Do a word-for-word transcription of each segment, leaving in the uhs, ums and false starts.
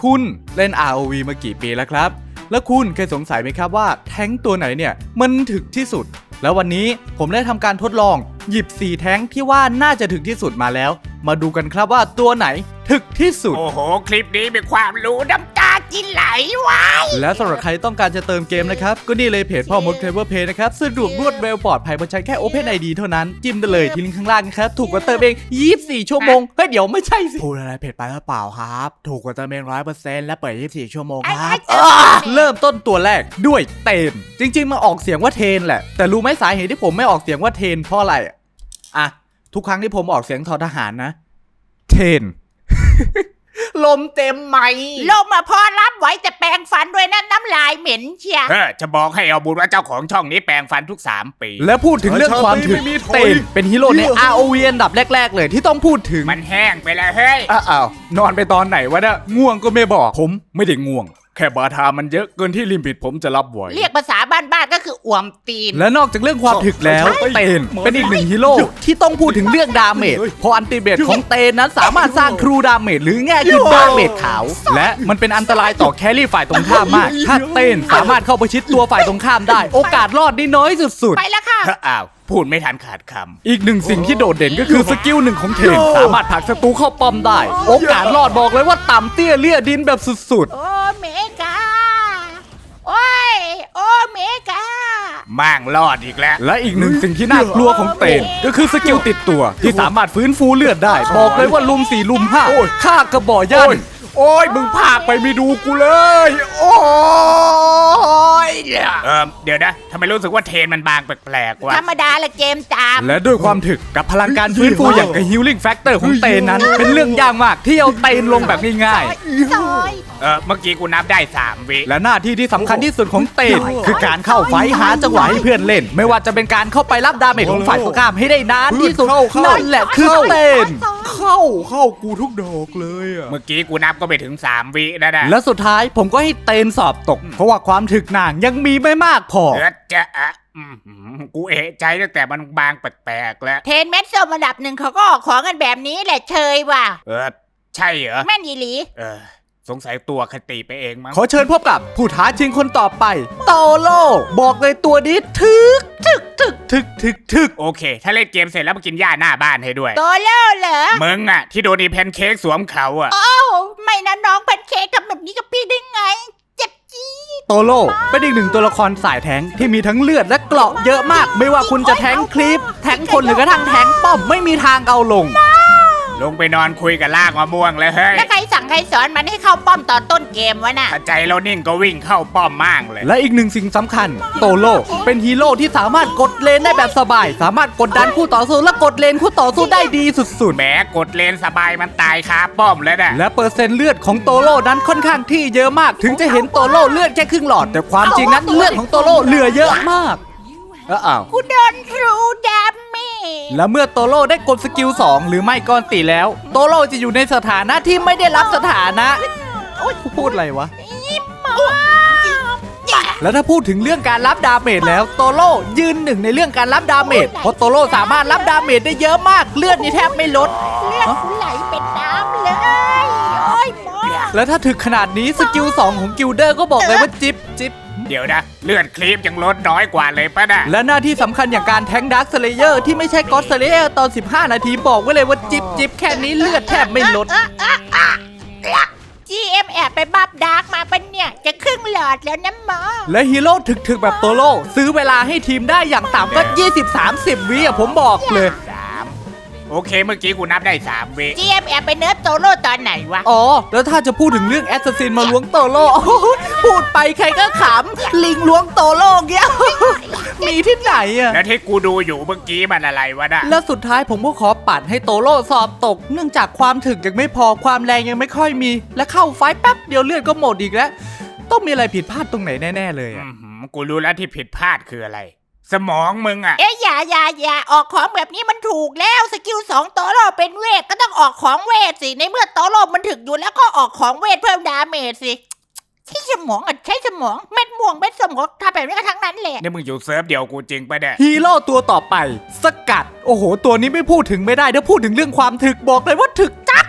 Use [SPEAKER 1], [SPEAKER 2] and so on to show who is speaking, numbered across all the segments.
[SPEAKER 1] คุณเล่น อาร์ โอ วี มากี่ปีแล้วครับแล้วคุณเคยสงสัยไหมครับว่าแท้งตัวไหนเนี่ยมันถึกที่สุดแล้ววันนี้ผมได้ทำการทดลองหยิบสี่แท้งที่ว่าน่าจะถึกที่สุดมาแล้วมาดูกันครับว่าตัวไหนถึกที่สุด
[SPEAKER 2] โอ้โหคลิปนี้มีความรู้น้ำตาจินไหลวะ
[SPEAKER 1] และสำหรับใครต้องการจะเติมเกมนะครับก็นี่เลยเพจพ่อมด Clever Play นะครับสะดวกรวดเร็วปลอดภัยบนใช้แค่ Open ไอ ดี เท่านั้นจิ้มได้เลยที่ลิงก์ข้างล่างนะครับถูกกว่าเติมเองยี่สิบสี่ชั่วโมงเฮ้ยเดี๋ยวไม่ใช่สิพูดอะไรผิดไปหรือเปล่าครับถูกกว่าเติมเอง ร้อยเปอร์เซ็นต์ และเปิดยี่สิบสี่ชั่วโมงครับเริ่มต้นตัวแรกด้วยเทนจริงๆมาออกเสียงว่าเทนแหละแต่รู้ไหมสาเหตุที่ผมไม่ออกเสียงว่าเทนเพราะอะไรอ่ะทุกครั้งที่ผมออกเสียงทอทหารนะเทน ลมเต็มไหม
[SPEAKER 3] ลมมาพอรับไว้แต่แปรงฟันด้วยนะน้ำลายเหม็นเชีย
[SPEAKER 2] เออจะบอกให้เอาบุญว่าเจ้าของช่องนี้แปรงฟันทุกสามปี
[SPEAKER 1] และพูดถึงเรื่องความถึกเทนเป็นฮีโร่ใน อาร์ โอ วี อันดับแรกๆเลยที่ต้องพูดถึง
[SPEAKER 2] มันแห้งไปแล้วเฮ้ย
[SPEAKER 1] อ้าวนอนไปตอนไหนวะเนี่ยง่วงก็ไม่บอกผมไม่ได้ง่วงแค่บาทามันเยอะเกินที่ลิมิตผมจะรับไหว
[SPEAKER 3] เรียกภาษาบ้านๆก็คืออ่วมตีน
[SPEAKER 1] และนอกจากเรื่องความถึกแล้วเตนเป็นอีกหนึ่งฮีโร่ที่ต้องพูดถึงเรื่องดาเมจเพราะอันติเบตของเตนนั้นสามารถสร้างครูดาเมจหรือแง่คือดาเมจขาวและมันเป็นอันตรายต่อแครี่ฝ่ายตรงข้ามมากถ้าเตนสามารถเข้าประชิดตัวฝ่ายตรงข้ามได้โอกาสรอดได้น้อยสุดๆ
[SPEAKER 3] ไปแล้วค่ะ
[SPEAKER 2] อ้าวพูดไม่ทันขาดค
[SPEAKER 1] ำอีกหนึ่งสิ่งที่โดดเด่นก็คือสกิลหนึ่งของเทนสามารถผลักศัตรูเข้าป้อมได้โอกาสรอดบอกเลยว่าต่ำเตี้ยเลี่ยดินแบบสุดๆ
[SPEAKER 3] โอ้เมกาโอ้ยโอ้เมกา
[SPEAKER 2] มั่งรอดอีกแล้ว
[SPEAKER 1] และอีกหนึ่งสิ่งที่น่ากลัวของเตนก็คือสกิลติดตัวที่สามารถฟื้นฟูเลือดได้บอกเลยว่าลุมสี่ลุมห้าฆ่ากระบอกยัน
[SPEAKER 2] โอ้ยมึงพากไปไม่ดูกูเลยโอ้ยเออเดี๋ยวนะทำไมรู้สึกว่าเทนมันบางแปลกๆวะ
[SPEAKER 3] ธรรมดาละเกมตาม
[SPEAKER 1] และด้วยความถึกกับพลังการฟื้นฟูอย่างกับ Healing Factor ของเตนนั้นเป็นเรื่องยากมากที่เอาเตนลงแบบง่าย
[SPEAKER 2] ๆเออเมื่อกี้กูนับได้สามวิ
[SPEAKER 1] และหน้าที่ที่สำคัญที่สุดของเตนคือการเข้าไฟหาจังหวะให้เพื่อนเล่นไม่ว่าจะเป็นการเข้าไปรับดาเมจของฝ่ายตรงข้ามให้ได้นานที่สุดนั่นแหละคือเตนเข้าเข้ากูทุกดอกเลยอ่ะ
[SPEAKER 2] เมื่อกี้กูนับก็ไปถึงสามวินะนะ
[SPEAKER 1] และสุดท้ายผมก็ให้เตนสอบตกเพราะว่าความถึกหน่างยังมีไม่มากพอ
[SPEAKER 2] เออจะอ่ะกูเอะใจตั้งแต่มันบางแปลกๆแล้ว
[SPEAKER 3] เทนเม็ดส้มระดับหนึ่งเขาก็ออกของกันแบบนี้แหละเชยว่ะ
[SPEAKER 2] เออใช่เหรอ
[SPEAKER 3] แม่นยีหลี
[SPEAKER 2] เออสงสัยตัวคติไปเองมั้ง
[SPEAKER 1] ขอเชิญพบกับผู้ท้าชิงคนต่อไปโตโร่บอกเลยตัวนี้ถึกถึกถึกถึกถึกถึก
[SPEAKER 2] โอเคถ้าเล่นเกมเสร็จแล้วมากินหญ้าหน้าบ้านให้ด้วย
[SPEAKER 3] โตโร่เหรอ
[SPEAKER 2] มึงอะที่โดนอีแพนเค้กสวมเขาอะ
[SPEAKER 3] โอ้ไม่นะน้องแพนเค้กทำแบบนี้กับพี่ได้ไงเจ็บจี๊ด
[SPEAKER 1] โตโร่เป็นอีกหนึ่งตัวละครสายแทงที่มีทั้งเลือดและเกราะเยอะมากไม่ว่าคุณจะแทงคลิปแทงคนหรือกระทั่งแทงป้อมไม่มีทางเอาลง
[SPEAKER 2] ลงไปนอนคุยกับลากมะม่วงเลยเฮ้ย
[SPEAKER 3] แล้วใครสั่งใครสอนมันให้เข้าป้อมตอนต้นเกมวะน่ะ
[SPEAKER 2] ถ้าใจเรานิ่งก็วิ่งเข้าป้อมมากเลย
[SPEAKER 1] และอีกหนึ่งสิ่งสำคัญโตโร่เป็นฮีโร่ที่สามารถกดเลนได้แบบสบายสามารถกดดันคู่ต่อสู้และกดเลนคู่ต่อสู้ได้ดีสุดๆ
[SPEAKER 2] แหมกดเลนสบายมันตายคาป้อมแล้วนะ
[SPEAKER 1] และเปอร์เซ็นต์เลือดของโตโร่นั้นค่อนข้างที่เยอะมากถึงจะเห็นโตโร่เลือดแค่ครึ่งหลอดแต่ความจริงนั้นเลือดของโตโร่เหลือเยอะมากอ้าว
[SPEAKER 3] กูโดนทรูดาเมจ
[SPEAKER 1] และเมื่อโตโร่ได้กดสกิลสองหรือไม่ก่อนตีแล้วโตโร่จะอยู่ในสถานะที่ไม่ได้รับสถานะพูดอะไรวะแล้วถ้าพูดถึงเรื่องการรับดาเมจแล้วโตโร่ยืนหนึ่งในเรื่องการรับดาเมจเพราะโตโร่สามารถรับดาเมจได้เยอะมากเลือดนี่แทบไม่ลด
[SPEAKER 3] เลือดไหลเป็นน้ำเลยโอ้ยหมอ
[SPEAKER 1] แล้วถ้าถึงขนาดนี้สกิลสองของกิลเดอร์ก็บอกเลยว่าจิ๊บจิ๊บ
[SPEAKER 2] เดี๋ยวนะเลือดคลิปยังลดน้อยกว่าเลยป่ะนะ
[SPEAKER 1] และหน้าที่สำคัญอย่างการแทงดาร์คสเลเยอร์ที่ไม่ใช่ก็อดสเลเยอร์ตอนสิบห้านาทีบอกไว้เลยว่าจิบจิบแค่นี้เลือดแทบไม่ลด
[SPEAKER 3] จี เอ็ม แอบไปบับดาร์กมาปะเนี่ยจะครึ่งหลอดแล้วนะหมอ
[SPEAKER 1] และฮีโร่ถึกๆแบบโตโร่ซื้อเวลาให้ทีมได้อย่างต่ำก็ ยี่สิบถึงสามสิบ วิอ่ะผมบอกเลย
[SPEAKER 2] โอเคเมื่อกี้กูนับได้สามวิ
[SPEAKER 3] จี เอ็ม แอบไปเนิร์ฟโตโร่ตอนไหนวะ
[SPEAKER 1] อ๋อแล้วถ้าจะพูดถึงเรื่องแอสซัสซินมาล้วงโตโร่พูดไปใครก็ขำลิงล้วงโตโร่เงี้ยมีที่ไหนอะ
[SPEAKER 2] แล้วที่กูดูอยู่เมื่อกี้มันอะไรวะน่ะ
[SPEAKER 1] แล้วสุดท้ายผมก็ขอปัดให้โตโร่สอบตกเนื่องจากความถึกยังไม่พอความแรงยังไม่ค่อยมีและเข้าไฟแป๊บเดียวเลือดก็หมดอีกแล้วต้องมีอะไรผิดพลาดตรงไหนแน่ๆเลยอะ
[SPEAKER 2] กูรู้แล้วที่ผิดพลาดคืออะไรสมองมึงอะ
[SPEAKER 3] เอ๊ะอย่าอย่าอย่าออกของแบบนี้มันถูกแล้วสกิลสองโตโร่เป็นเวทก็ต้องออกของเวทสิในเมื่อโตโร่มันถึกอยู่แล้วก็ออกของเวทเพิ่มดาเมจสิใช้สมองอ่ะใช้สมองเม็ดม่วงเม็ดสมองทำแบบนี้ก็ทั้งนั้นแหละ
[SPEAKER 2] นี่มึงอยู่เซิร์ฟเดียวกูจริงปะเนี่ย
[SPEAKER 1] ฮีโร่ตัวต่อไปสกัดโอ้โหตัวนี้ไม่พูดถึงไม่ได้เดี๋ยวพูดถึงเรื่องความถึกบอกเลยว่าถึกจัด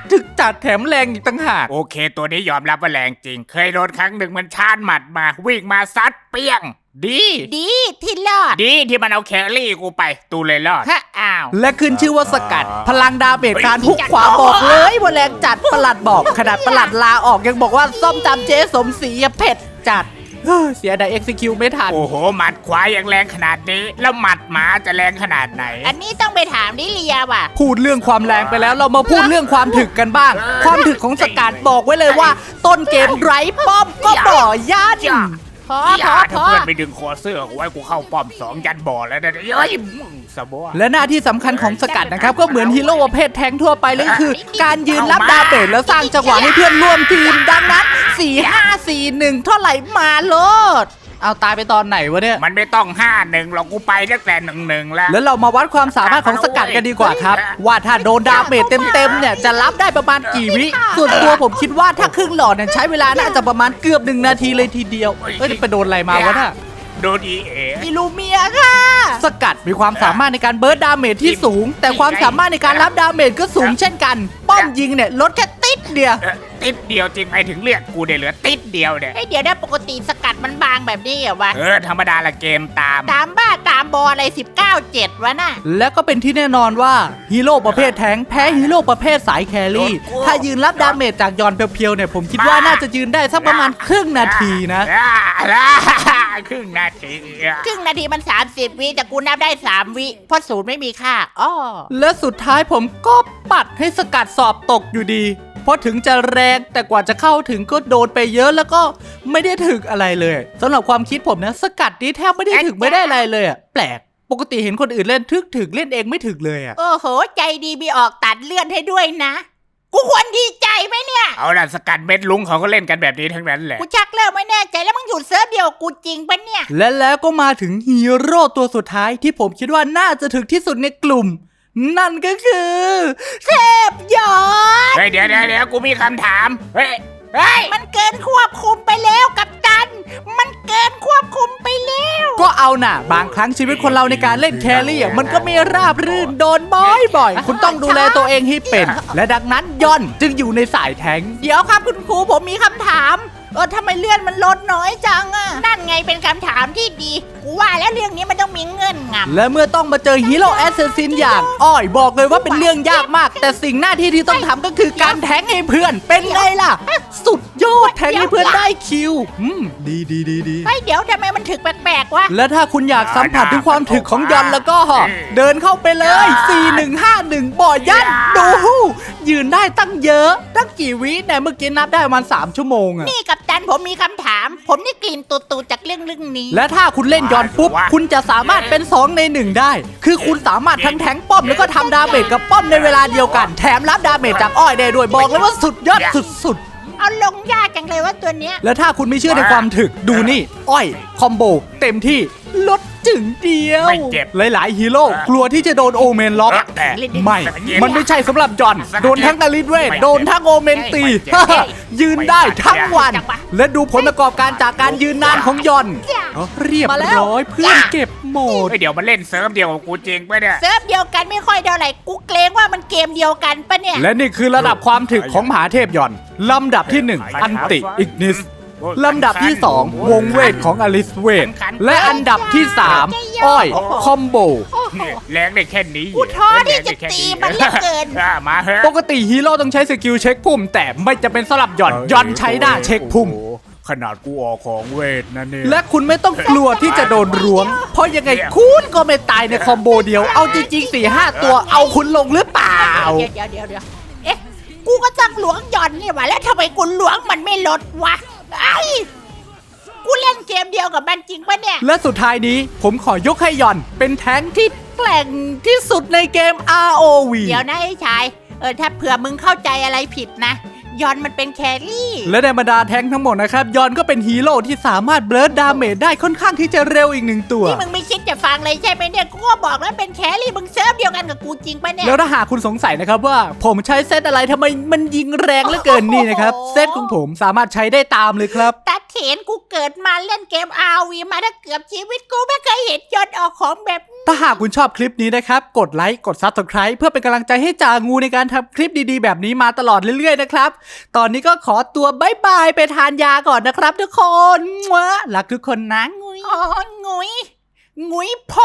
[SPEAKER 1] ถึกจัดแถมแรงอีกต่างหาก
[SPEAKER 2] โอเคตัวนี้ยอมรับว่าแรงจริง เคยโดนครั้งหนึ่งมันชาร์จหมัดมาวิ่งมาซัดเปี้ยง ดี
[SPEAKER 3] ดีที่รอด
[SPEAKER 2] ดีที่มันเอาแครี่กูไปตูเลยรอด
[SPEAKER 3] ฮะอ้าว
[SPEAKER 1] และขึ้นชื่อว่าสกัด พลังดาเมจการฮุกขวาบอกเลยว่าแรงจัดประหลัดบอกขนาดประหลัดลาออกยังบอกว่าส้มตำเจ๊สมศรีอะเผ็ดจัดเฮ้ยเสียดาย execute ไม่ทัน
[SPEAKER 2] โอ้โหหมัดขวายังแรงขนาดนี้ แล้วหมัดหมาจะแรงขนาดไหน
[SPEAKER 3] อันนี้ต้องไปถามดิเลียว่ะ
[SPEAKER 1] พูดเรื่องความแรงไปแล้วเรามาพูดเรื่องความถึกกันบ้าง ความถึกของสกัดบอกไว้เลยว่า ต้นเกมไร้ป้อมก็บ่อยัน
[SPEAKER 3] พอ
[SPEAKER 2] อ
[SPEAKER 3] พ
[SPEAKER 2] ย่า
[SPEAKER 3] อพ
[SPEAKER 2] ถ้า
[SPEAKER 3] อ
[SPEAKER 2] เพื่อนไปดึงคอเสื้อกูไว้กูเข้าป้อมสองยันบ่อแล้วนะเฮ้ยมึงสะบัว
[SPEAKER 1] และหน้าที่สำคัญของสกัดนะครับ ก็เหมือนฮีโร่ประเภทแทงค์ทั่วไปเลยคือ การยืนรับดาเมจแล้วสร้างจังหวะให้เพื่อนร่วมทีม ดังนั้น สี่ ห้า สี่ หนึ่ง เท่าไหร่มาโลดเอาตายไปตอนไหนวะเนี่ย
[SPEAKER 2] มันไม่ต้องห้าหนึ่งหรอกกูไปตั้งแต่หนึ่งหนึ่งแล้ว
[SPEAKER 1] แล้วเรามาวัดความสามารถของสกัดกันดีกว่าครับ ว่าถ้าโดนดาเมจเต็มๆเนี่ยจะรับได้ประมาณกี่วิ ส่วนตัวผมคิดว่าถ้าครึ่งหลอดเนี่ยใช้เวลาน่าจะประมาณเกือบหนึ่งนาทีเลยทีเดียวเอ้ยไปโดนอะไรมาวะน่ะ
[SPEAKER 2] โดนอีเอ
[SPEAKER 3] อิลูเมียค่ะ
[SPEAKER 1] สกัดมีความสามารถในการเบิร์ดดาเมจที่สูง แต่ความสามารถในการรับดาเมจก็สูงเช่นกัน ป้อมยิงเนี่ยลดแค่ติดเดียว
[SPEAKER 2] เอ่อติดเดียวจริงไปถึงเลือดกูได้เหลือติดเดียวเนี่ย
[SPEAKER 3] ไอเดี๋ยวนะปกติสกัดมันบางแบบนี้เหรอวะ
[SPEAKER 2] เออธรรมดาละเกมตาม
[SPEAKER 3] ตามบ้าตามบออะไรสิบเก้าเจ็ดวะน่ะ
[SPEAKER 1] และก็เป็นที่แน่นอนว่าฮีโร่ประเภทแทงค์แพ้ฮีโร่ประเภทสายแครี่ ถ้ายืนรับดาเมจจากยอนเพียวๆเนี่ยผมคิดว่าน่าจะยืนได้สักประมาณครึ่งนาทีนะ
[SPEAKER 2] อ่าอ่าครึ่งนาทีอ่ะ
[SPEAKER 3] ครึ่งนาทีมันสามสิบวิแต่กูนับได้สามวิเพราะศูนย์ไม่มีค่าอ้อ
[SPEAKER 1] และสุดท้ายผมก็ปัดให้สกัดสอบตกอยู่ดี เพราะถึงจะแรงแต่กว่าจะเข้าถึงก็โดนไปเยอะแล้วก็ไม่ได้ถึกอะไรเลยสำหรับความคิดผมนะสกัดนี้แทบไม่ได้ถึกไม่ได้อะไรเลยอะแปลกปกติเห็นคนอื่นเล่นทึกถึกเล่นเองไม่ถึกเลยอะ
[SPEAKER 3] โอ้โห ใจดีมีออกตัดเลื่อนให้ด้วยนะ กูควรดีใจไหมเนี่ย
[SPEAKER 2] เอาล่ะสกัดเม็ดลุงเขาก็เล่นกันแบบนี้ทั้งนั้นแหละ
[SPEAKER 3] กูชักเริ่มไม่แน่ใจแล้วมึงอยู่เซิร์ฟเดียวกับกูจริงปะเนี่ย
[SPEAKER 1] และแล้วก็มาถึงฮีโร่ตัวสุดท้ายที่ผมคิดว่าน่าจะถึกที่สุดในกลุ่ม นั่นก็คือเทพยอด
[SPEAKER 2] เฮ้ยเดี๋ยวเดี๋ยวเดี๋ยวกูมีคำถามเฮ้ยเฮ้ย
[SPEAKER 3] มันเกินควบคุมไปแล้วกับตัน มันเกินควบคุมไปแล้ว
[SPEAKER 1] ก็เอาน่ะ บางครั้งชีวิตคนเราในการเล่นแครี่อ่ะมันก็ไม่ราบรื่นโดนบ่อยๆ คุณต้องดูแลตัวเองให้เป็น และดังนั้นย่อนจึงอยู่ในสายแทงค์
[SPEAKER 3] เดี๋ยวครับคุณครูผมมีคำถาม เออทำไมเลื่อนมันลดน้อยจังอะนั่นไงเป็นคำถามที่ดี กูว่าแล้วเรื่องนี้มันต้องมีเงื่อนงำ
[SPEAKER 1] และเมื่อต้องมาเจอฮีโร่แอสเซสซินอย่างอ้อยบอกเลยว่าเป็นเรื่องยากมาก แต่สิ่งหน้าที่ที่ต้องทำก็คือการแทงให้เพื่อนเป็นไงล่ะ สุดยอดแทงให้เพื่อนได้คิวอืมดีดีดีดี
[SPEAKER 3] เฮ้ยเดี๋ยวทำไมมันถึกแปลกๆวะ
[SPEAKER 1] และถ้าคุณอยากสัมผัสถึงความถึกของยอนแล้วก็เดินเข้าไปเลย สี่ หนึ่ง ห้า หนึ่ง บ่อยันดูยืนได้ตั้งเยอะ ตั้งกี่วิเนี่ยเมื่อกี้นับได้ประมาณสามชั่วโมงอะ
[SPEAKER 3] นี่กับตันผมมีคำถาม ผมนี่กลิ่นตูดๆจากเรื่องเรื่องนี้
[SPEAKER 1] และถ้าคุณเล่นยอนปุ๊บ คุณจะสามารถเป็นสองในหนึ่งได้ คือคุณสามารถทั้งแทงป้อมแล้วก็ทำดาเมจกับป้อมในเวลาเดียวกัน แถมรับดาเมจจากอ้อยได้ด้วยบอกเลยว่าสุดยอดสุด
[SPEAKER 3] เอาลงยากจังเลยว่าตัวเนี้ย
[SPEAKER 1] ๆ และถ้าคุณไม่เชื่อในความถึกดูนี่ อ้อยคอมโบเต็มที่ลดจึงเดียว
[SPEAKER 2] ไม่เจ็บ
[SPEAKER 1] หลายๆฮีโร่กลัวที่จะโดนโอเมนล็อก
[SPEAKER 2] แต่
[SPEAKER 1] ไม่ มันไม่ใช่สำหรับจอน โดนทั้งตาลิดเวท โดนทั้งโอเมนตี ยืนได้ทั้งวัน และดูผลประกอบการจากการยืนนานของยอนอ๋อเรียบร้อยเพื่อนเก็บหมด
[SPEAKER 2] เฮ้ยเดี๋ยวมันเล่นเซิร์ฟเดียวกับกูจริงปะเนี่ย
[SPEAKER 3] เซิร์ฟเดียวกันไม่ค่อยเท่าไหร่กูเกรงว่ามันเกมเดียวกันปะเนี่ย
[SPEAKER 1] และนี่คือระดับความถึกของมหาเทพยอน ลำดับที่หนึ่งอันติอิกนิส ลำดับที่สองวงเวทของอลิสเวท และอันดับที่สามอ้อยคอมโบ
[SPEAKER 2] เนี่ยแรงได้แค่นี้
[SPEAKER 3] กูท้อที่จะตีมันเหลือเกิน
[SPEAKER 2] อ่ะมาเฮ้ย
[SPEAKER 1] ปกติฮีโร่ต้องใช้สกิลเช็คพุ่ม แต่ไม่จะเป็นสลับหย่อนหย่อนใช้หน้าเช็คพุ่ม
[SPEAKER 2] ขนาดกูออกของเวทนะเนี่ย
[SPEAKER 1] และคุณไม่ต้องกลัวที่จะโดนล้วง เพราะยังไงคุณก็ไม่ตายในคอมโบเดียว เอาจริงๆ สี่ห้า ตัวเอาคุณลงหรือเปล่า
[SPEAKER 3] เดี๋ยวเดี๋ยวเดี๋ยวเดี๋ยวเอ๊ะ กูก็ต้องหลวงหย่อนนี่หว่าแล้วทำไมกูหลวงมันไม่ลดวะไอ้กูเล่นเกมเดียวกับมันจริงปะเนี่ย
[SPEAKER 1] และสุดท้ายนี้ผมขอยกให้หย่อนเป็นแท้งที่แกร่งที่สุดในเกม อาร์ โอ วี
[SPEAKER 3] เดี๋ยวนะไอ้ชาย เออถ้าเผื่อมึงเข้าใจอะไรผิดนะ ยอนมันเป็นแครี่
[SPEAKER 1] และในบรรดาแท้งทั้งหมดนะครับยอนก็เป็นฮีโร่ที่สามารถเบิร์ดดาเมจได้ค่อนข้างที่จะเร็วอีกหนึ่งตัว
[SPEAKER 3] นี่มึงไม่คิดจะฟังเลยใช่ไหมเนี่ย กูก็บอกแล้วเป็นแครี่มึงเซิร์ฟเดียวกันกับกูจริงปะเนี่ย
[SPEAKER 1] แล้วถ้าหากคุณสงสัยนะครับว่าผมใช้เซตอะไรทำไมมันยิงแรงเหลือเกินนี่นะครับ เซตของผมสามารถใช้ได้ตามเลยครับ
[SPEAKER 3] ตัดทีเห็นกูเกิดมาเล่นเกม อาร์ วี มาถ้าเกือบชีวิตกูไม่เคยเห็นยนต์ออกของแบบนี้
[SPEAKER 1] ถ้าหากคุณชอบคลิปนี้นะครับกดไลค์กด ซับสไครบ์ เพื่อเป็นกำลังใจให้จ่างูในการทำคลิปดีๆแบบนี้มาตลอดเรื่อยๆนะครับตอนนี้ก็ขอตัวบ๊ายบายไปทานยาก่อนนะครับทุกคนรักทุกคนนะงุย
[SPEAKER 3] อ๋องุยงุยพอ